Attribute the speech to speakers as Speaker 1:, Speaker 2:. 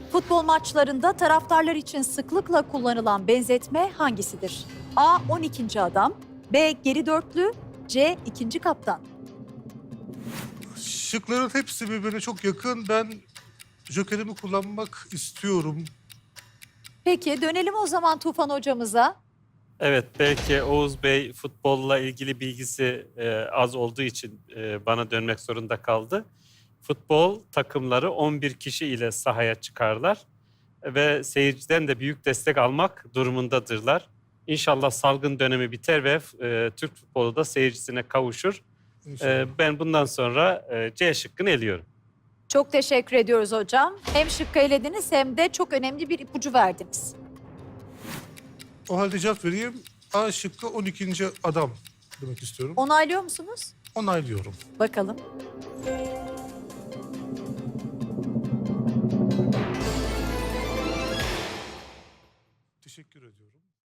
Speaker 1: Futbol maçlarında taraftarlar için sıklıkla kullanılan benzetme hangisidir? A. 12. adam, B. Geri dörtlü, C. ikinci kaptan.
Speaker 2: Şıkların hepsi birbirine çok yakın. Ben jokerimi kullanmak istiyorum.
Speaker 1: Peki dönelim o zaman Tufan hocamıza.
Speaker 3: Evet, belki Oğuz Bey futbolla ilgili bilgisi az olduğu için bana dönmek zorunda kaldı. Futbol takımları 11 kişi ile sahaya çıkarlar ve seyirciden de büyük destek almak durumundadırlar. İnşallah salgın dönemi biter ve Türk futbolu da seyircisine kavuşur.
Speaker 2: İnşallah.
Speaker 3: Ben bundan sonra C şıkkını eliyorum.
Speaker 1: Çok teşekkür ediyoruz hocam. Hem şıkkı elediniz hem de çok önemli bir ipucu verdiniz.
Speaker 2: O halde cevap vereyim. A şıkkı 12. adam demek istiyorum.
Speaker 1: Onaylıyor musunuz?
Speaker 2: Onaylıyorum.
Speaker 1: Bakalım.
Speaker 2: Teşekkür ediyorum.